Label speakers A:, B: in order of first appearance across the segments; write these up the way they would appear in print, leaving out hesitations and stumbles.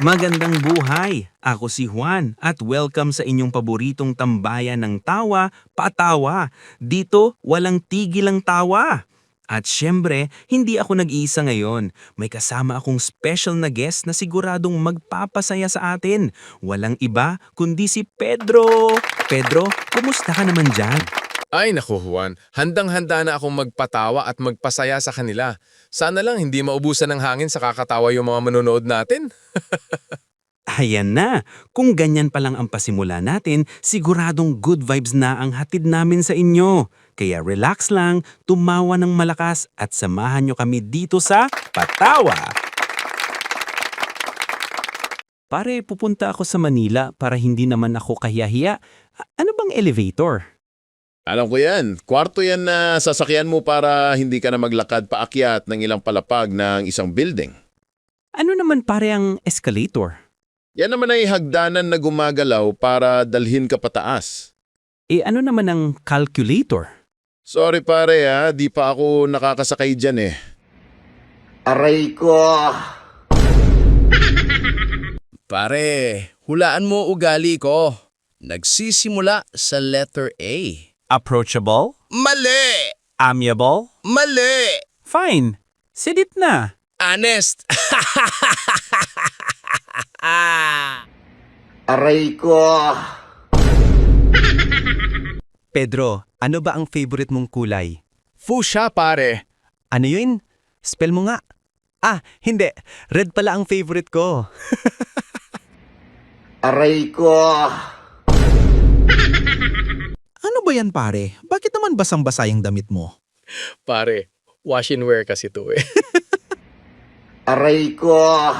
A: Magandang buhay! Ako si Juan at welcome sa inyong paboritong tambayan ng tawa, patawa. Dito, walang tigil ang tawa. At syempre, hindi ako nag-iisa ngayon. May kasama akong special na guest na siguradong magpapasaya sa atin. Walang iba kundi si Pedro. Pedro, kumusta ka naman dyan?
B: Ay naku Juan, handang-handa na akong magpatawa at magpasaya sa kanila. Sana lang hindi maubusan ng hangin sa kakatawa yung mga manonood natin.
A: Ayan na! Kung ganyan pa lang ang pasimula natin, siguradong good vibes na ang hatid namin sa inyo. Kaya relax lang, tumawa ng malakas at samahan nyo kami dito sa Patawa! Pare, pupunta ako sa Manila para hindi naman ako kahiyahiya. Ano bang elevator?
C: Alam ko yan. Kwarto yan na sasakyan mo para hindi ka na maglakad paakyat ng ilang palapag ng isang building.
A: Ano naman pare ang escalator?
C: Yan naman ay hagdanan na gumagalaw para dalhin ka pataas.
A: Ano naman ang calculator?
C: Sorry pare di pa ako nakakasakay dyan eh. Aray ko!
D: Pare, hulaan mo ugali ko. Nagsisimula sa letter A.
A: Approachable?
D: Mali!
A: Amiable?
D: Mali!
A: Fine. Sidit na.
D: Honest!
C: Aray ko!
E: Pedro, ano ba ang favorite mong kulay?
D: Fuchsia, pare.
E: Ano yun? Spell mo nga. Hindi. Red pala ang favorite ko.
C: Aray ko!
F: Ano ba yan pare? Bakit naman basang-basa yung damit mo?
B: Pare, wash and wear kasi to eh.
C: Aray ko!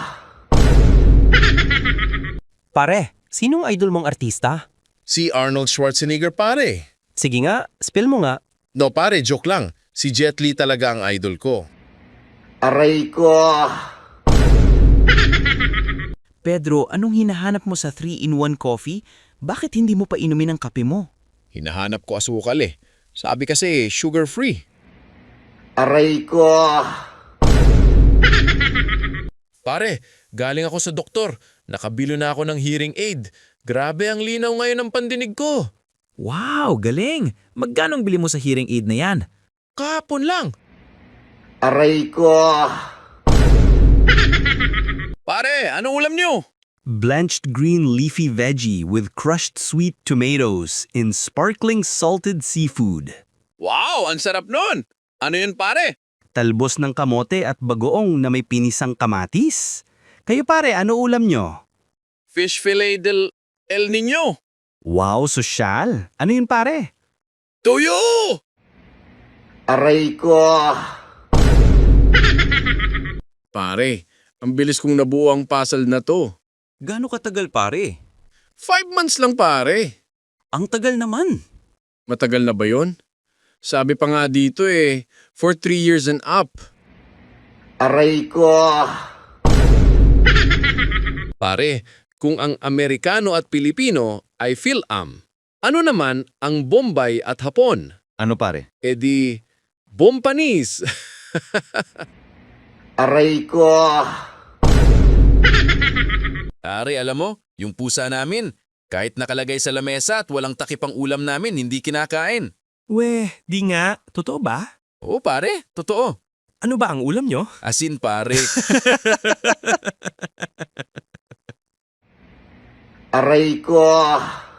E: Pare, sinong idol mong artista?
C: Si Arnold Schwarzenegger pare.
E: Sige nga, spell mo nga.
C: No pare, joke lang. Si Jet Li talaga ang idol ko. Aray ko!
F: Pedro, anong hinahanap mo sa 3-in-1 coffee? Bakit hindi mo pa inumin ang kape mo?
B: Hinahanap ko asukal eh. Sabi kasi sugar-free.
C: Aray ko!
B: Pare, galing ako sa doktor. Nakabilo na ako ng hearing aid. Grabe ang linaw ngayon ng pandinig ko.
F: Wow, galing! Magkanong bili mo sa hearing aid na yan?
B: Kahapon lang.
C: Aray ko!
B: Pare, anong ulam niyo?
A: Blanched green leafy veggie with crushed sweet tomatoes in sparkling salted seafood.
B: Wow, ang sarap nun. Ano yun pare?
A: Talbos ng kamote at bagoong na may pinisang kamatis. Kayo pare, ano ulam nyo?
B: Fish fillet del El Niño.
A: Wow, sosyal. Ano yun pare?
B: Tuyo!
C: Aray ko!
B: Pare, ang bilis kong nabuo ang puzzle na to.
F: Gaano katagal pare?
B: 5 months lang pare.
F: Ang tagal naman.
B: Matagal na ba yun? Sabi pa nga dito eh, for 3 years and up.
C: Aray ko!
B: Pare, kung ang Amerikano at Pilipino ay Phil-Am, ano naman ang Bombay at Hapon?
E: Ano pare?
B: E di, Bompanese.
C: Aray ko!
D: Pare, alam mo, yung pusa namin, kahit nakalagay sa lamesa at walang takip ang ulam namin, hindi kinakain.
F: Weh, di nga. Totoo ba?
D: Oo pare, totoo.
F: Ano ba ang ulam nyo?
D: Asin pare.
C: Aray ko!